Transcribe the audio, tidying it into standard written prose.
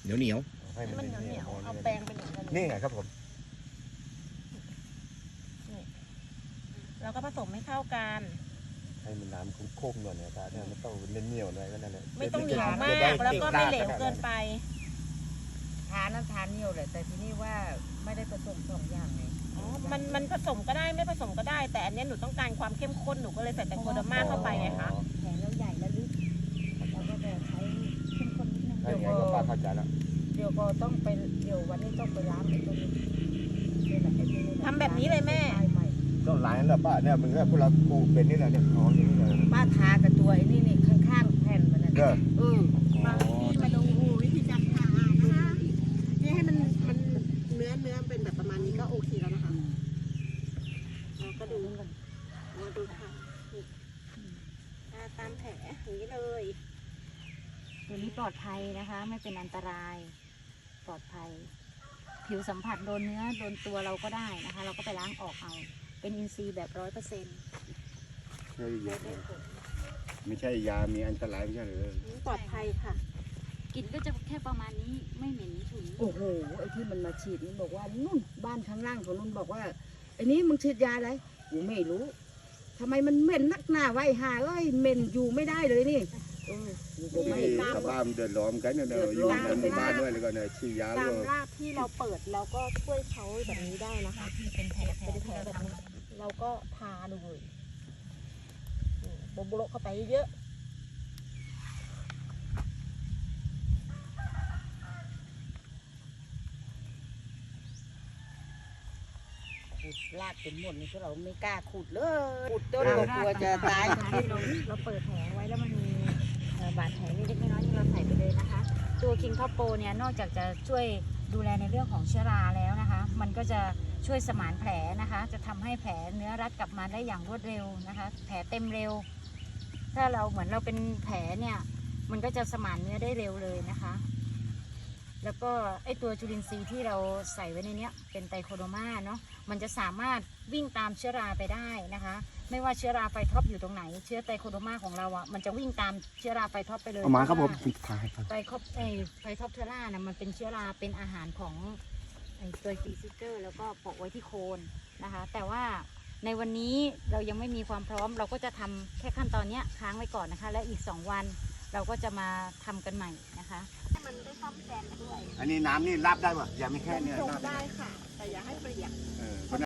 เหนียวให้มันเหนียวๆเอาแปรงไปหนึ่งกันนี่ไงครับผมแล้วก็ผสมให้เข้ากันให้มันน้ำโค้งๆหน่อยเนี่ยตาเนี่ยมันต้องเล่นเหนียวหน่อยก็นั่นแหละไม่ต้องเหนียวมากแล้วก็ไม่เหลวเกินไปทานนั้นทานเหนียวแหละแต่ทีนี้ว่าไม่ได้ผสมสองอย่างไงอ๋อ มันผสมก็ได้ไม่ผสมก็ได้ แต่อันเนี้ยหนูต้องการความเข้มข้นหนูก็เลยใส่ไตรโคเดอร์มาเข้าไปไงคะแผลเราใหญ่และลึกเราก็จะใช้เข้มข้นนิดนึงให้ไงก็ป้าเข้าใจแล้วเดี๋ยวก็ต้องไปเดี๋ยววันนี้ต้องไปล้างไอ้ตัวนี้นี่แหละไอ้ตัวนี้ทำแบบนี้เลยแม่ใหม่ต้องล้างแล้วป้าเนี่ยมึงก็พวกเราปลูกเป็นนี่แหละเนี่ยอ๋ออย่างนี้เลยป้าทากับตัวไอ้นี่ข้างๆแผ่นมันนั่นเด้อมาดูวิธีการทานะคะนี่ให้มันเนื้อเป็นแบบประมาณนี้ก็โอเคแล้วนะคะเราก็ดูมาดูค่ะทาตามแผลอย่างนี้เลยตัวนี้ปลอดภัยนะคะ ไม่เป็นอันตรายปลอดภัย ผิวสัมผัสโดนเนื้อโดนตัวเราก็ได้นะคะ เราก็ไปล้างออกเอาเป็นอินทรีย์แบบ100% ไม่ใช่ยามีอันตรายไม่ใช่หรือปลอดภัยค่ะกลิ่นก็จะแค่ประมาณนี้ไม่เหม็นฉุนโอ้โหไอ้ที่มันมาฉีดนี่บอกว่านู่นบ้านข้างล่างของนู่นบอกว่าไอ้นี้มึงฉีดยาอะไรกูไม่รู้ทำไมมันเหม็นนักหนาไว้หาเอ้ยเหม็นอยู่ไม่ได้เลยนี่กูไม่ชาวบ้านเดือดร้อนกันเนี่ยอยู่ในหมู่บ้านด้วยแล้วก็เนี่ยฉีดยาตาด้มวยรากที่เราเปิดเราก็ช่วยเขาแบบนี้ได้นะคะที่เป็นแผลเป็นแผลแบบนี้เราก็ทาเลยโบโบโลเข้าไปเยอะขุดลาดเป็นหมดนี่พวกเราไม่กล้าขุดเลยขุดต้นก็กลัวจะตายเราเปิดแผลไว้แล้วมันมีบาดแผลเล็กๆน้อยๆที่เราใส่ไปเลยนะคะ ตัวคิงคอปโปเนี่ยนอกจากจะช่วยดูแลในเรื่องของเชื้อราแล้วนะคะ มันก็จะช่วยสมานแผลนะคะ จะทำให้แผลเนื้อรัดกลับมาได้อย่างรวดเร็วนะคะ แผลเต็มเร็ว ถ้าเราเหมือนเราเป็นแผลเนี่ยมันก็จะสมานเนื้อได้เร็วเลยนะคะ แล้วก็ไอตัวจุลินทรีย์ที่เราใส่ไว้ในเนี้ยเป็นไตรโคโดมาเนาะมันจะสามารถวิ่งตามเชื้อราไปได้นะคะ ไม่ว่าเชื้อราไฟท็อปอยู่ตรงไหนเชื้อไตรโคโดมาของเราอ่ะมันจะวิ่งตามเชื้อราไฟท็อปไปเลยเอามาครับผมเพาะว่าถ่ายครับไฟท็อปเทอร่านะมันเป็นเชื้อราเป็นอาหารของไอตัวฟีซิเกอร์แล้วก็โปะไว้ที่โคนนะคะ แต่ว่าในวันนี้เรายังไม่มีความพร้อมเราก็จะทำแค่ขั้นตอนเนี้ยค้างไว้ก่อนนะคะ และอีก2 วันเราก็จะมาทำกันใหม่นะคะมันได้ซ่อมแซมด้วยอันนี้น้ำนี่รับได้ป่ะอย่าไม่แค่เนี่ยชงรับได้ค่ะ แต่อย่าให้เปียกเออ